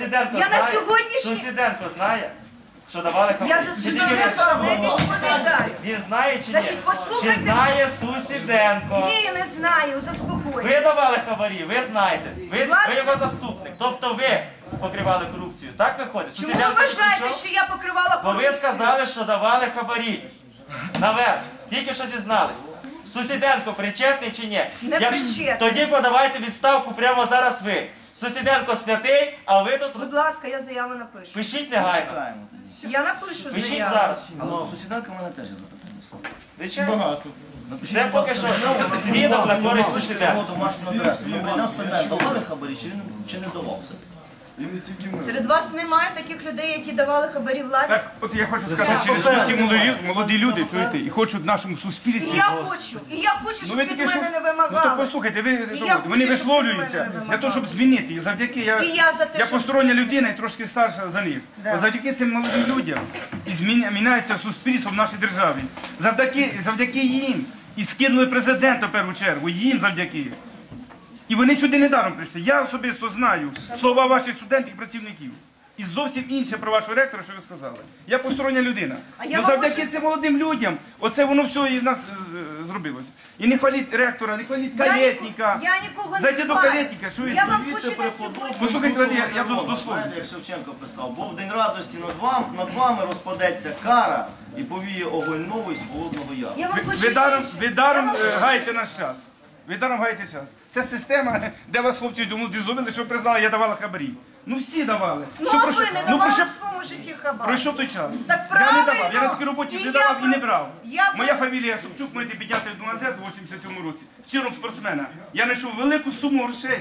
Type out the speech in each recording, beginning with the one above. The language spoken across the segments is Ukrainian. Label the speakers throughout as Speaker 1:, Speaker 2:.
Speaker 1: Сусіденко
Speaker 2: Я на
Speaker 1: знає?
Speaker 2: сьогоднішній...
Speaker 1: Сусіденко знає, що давали
Speaker 2: Я
Speaker 1: хабарі?
Speaker 2: за
Speaker 1: Чи тільки ви
Speaker 2: Сусіденка не
Speaker 1: знаєте?
Speaker 2: відповідаю.
Speaker 1: Він знає чи ні?
Speaker 2: Значить, послухайте.
Speaker 1: Чи знає Сусіденко?
Speaker 2: Ні, не знаю, заспокойтесь.
Speaker 1: Ви давали хабарі, ви знаєте. Ви
Speaker 2: Власне.
Speaker 1: його заступник. Тобто ви покривали корупцію. Так виходить?
Speaker 2: Чому ви
Speaker 1: Сусіденко
Speaker 2: вважаєте,
Speaker 1: нічого?
Speaker 2: що я покривала
Speaker 1: Бо ви
Speaker 2: корупцію?
Speaker 1: сказали, що давали хабарі. Наверх. Тільки що зізнались. Сусіденко причетний чи ні?
Speaker 2: Не причетний.
Speaker 1: Тоді подавайте відставку прямо зараз ви. Сусіденко святий, а ви тут
Speaker 2: Будь ласка, я заяву напишу.
Speaker 1: пишіть негайно.
Speaker 3: Чекаємо тоді.
Speaker 2: Я напишу
Speaker 1: Пишіть
Speaker 2: заяву.
Speaker 1: зараз.
Speaker 3: Але Сусіденка в мене теж є запитання.
Speaker 1: Звичайно.
Speaker 4: Багато.
Speaker 1: Це поки що свідок на користь Сусіденка.
Speaker 3: Давали хабарі чи не давав все?
Speaker 2: Серед вас немає таких людей, які давали хабарі владі?
Speaker 4: Так, от я хочу сказати, через ті молоді люди, чуєте, і хочуть в нашому
Speaker 2: І
Speaker 4: суспільстві.
Speaker 2: я хочу, щоб від мене не
Speaker 4: Ну то
Speaker 2: вимагали.
Speaker 4: послухайте,
Speaker 2: я
Speaker 4: вони
Speaker 2: хочу, щоб
Speaker 4: висловлюються
Speaker 2: від мене
Speaker 4: для того, щоб змінити. І завдяки
Speaker 2: І я за те,
Speaker 4: я
Speaker 2: щоб
Speaker 4: постороння
Speaker 2: змінити.
Speaker 4: людина і трошки старша за них.
Speaker 2: Да.
Speaker 4: От завдяки цим молодим людям і міняється суспільство в нашій державі. Завдяки їм. І скинули президента в першу чергу, їм завдяки. І вони сюди недаром прийшли. Я особисто знаю слова ваших студентів і працівників. І зовсім інше про вашого ректора, що ви сказали. Я постороння людина.
Speaker 2: А я
Speaker 4: Ну
Speaker 2: вам
Speaker 4: завдяки
Speaker 2: можу-
Speaker 4: цим молодим людям, оце воно все і в нас зробилось. І не хваліть ректора, не хваліть калєтника.
Speaker 2: Я нікого не
Speaker 4: Зайди до
Speaker 2: хвалю.
Speaker 4: калєтника, чуєш?
Speaker 2: Я вам хочу на сьогодні...
Speaker 4: Послухайте, я дословлю.
Speaker 3: Знаєте, як Шевченко писав, бо в день радості над вами розпадеться кара і повіє огонь новий з холодного яру.
Speaker 2: Я вам хочу
Speaker 4: Ви даром гаєте наш час. Ви даром гаєте час. Це система, де вас хлопці демобілізували, що ви признали, я давала хабарі. Ну всі давали.
Speaker 2: Ну,
Speaker 4: Що
Speaker 2: а
Speaker 4: пройшло?
Speaker 2: ви не
Speaker 4: Ну,
Speaker 2: давали
Speaker 4: пройшов-
Speaker 2: в своєму житті хабар.
Speaker 4: Пройшов той час.
Speaker 2: Так
Speaker 4: Я не
Speaker 2: правильно.
Speaker 4: давав, я на такій роботі
Speaker 2: І
Speaker 4: не
Speaker 2: я
Speaker 4: давав і не
Speaker 2: про-
Speaker 4: брав.
Speaker 2: я
Speaker 4: Моя
Speaker 2: про-
Speaker 4: фамілія Собчук, мене підняти в 12 у 87 році. Чином спортсмена. Я знайшов велику суму грошей.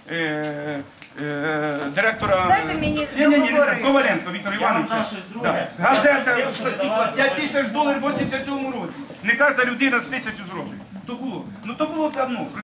Speaker 4: Директора
Speaker 2: Дайте мені
Speaker 4: Ні,
Speaker 2: договорити.
Speaker 4: Коваленко Віктора
Speaker 1: Я вам
Speaker 4: Івановича.
Speaker 1: дам щось друге.
Speaker 4: Да. Газета $5 тисяч в 87 році. Не кожна людина з 1000 зробить. То було. Ну то було давно.